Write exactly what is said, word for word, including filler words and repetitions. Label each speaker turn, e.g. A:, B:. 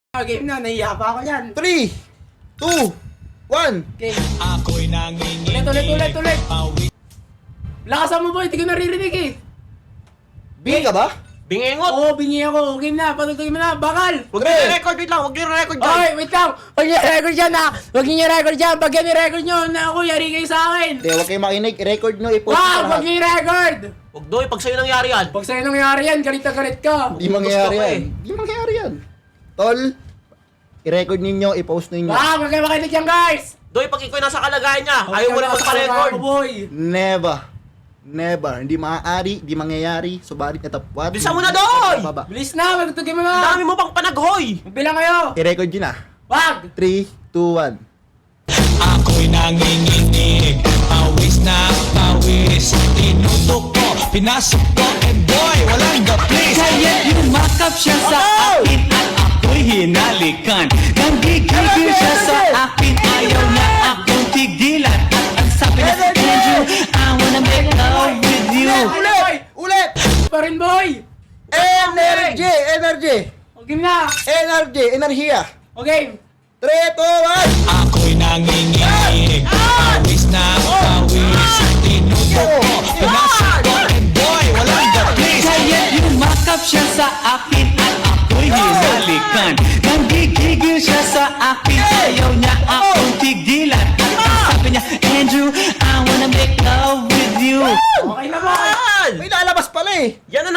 A: Game na, nahiya pa ako yan.
B: three, two, one.
A: Game.
C: Ako'y nanginginig.
A: Ulit, ulit, ulit, ulit. Lakasan mo boy, hindi ko naririnig eh.
B: Bingi ka ba?
C: Bingengot!
A: Oo, bingi ako. Game na, patutugin mo na, bakal.
C: Huwag niyo i-record, wait lang, huwag niyo i-record dyan!
A: Oy, wait lang. Huwag niyo i-record dyan ha. Huwag niyo i-record dyan. Pag yan i-record nyo, na ako, yari kayo sa akin.
B: Hindi, huwag kayo makinig. I-record nyo, i-post nyo
A: Wag,
B: sa
A: huwag
B: lahat.
A: niyo i-record.
C: Huwag doy, pag sa'yo nangyari yan!
A: Pag sa'yo nangyari yan, galit na galit ka.
B: Di mangyayari
C: Gusto ko
B: yan. Di mangyayari yan. Tol, i-record ninyo, i-post ninyo.
A: Wag, huwag kayo makinig yan guys.
C: Doy, pag ikaw nasa kalagayan niya, ayaw mo na magpa-record!
A: Ako, boy.
B: Never. Never. Hindi maaari, di mangyayari. Subalit na tapwat.
C: Bilisan mo na, Doy!
B: Baba.
A: Bilis na, magtutugin mo
C: Ang
A: na.
C: dami mo pang panaghoy!
A: Magbilang kayo.
B: I-record nyo na.
A: Wag.
B: three, two, one.
C: Ako'y nanginginig, pawis na pawis. Tinutok ko, pinasok ko, and boy, walang the place.
D: Kaya yumakap siya sa akin at ako'y hinalikan. Nang gigigil siya sa akin, ayaw na akong tigilan. At ang sabi niya, Andrew, I wanna make love with you.
B: Ulit! Ulit!
A: Pa rin boy.
B: Energy! Energy!
A: O game na.
B: Energy! Enerhiya!
A: O game.
B: three, two, one.
C: Ako'y nanginginig, pawis na pawis. Tinutok ko, pinasok ko, and boy, walang the place.
D: Kaya yumakap siya sa akin at ako'y hinalikan. Nang gigigil siya sa akin, ayaw niya akong tigilan. At ang sabi niya, Andrew, I wanna make love with you.
A: Okay na boy.
B: May lalabas pala eh!
C: Yan na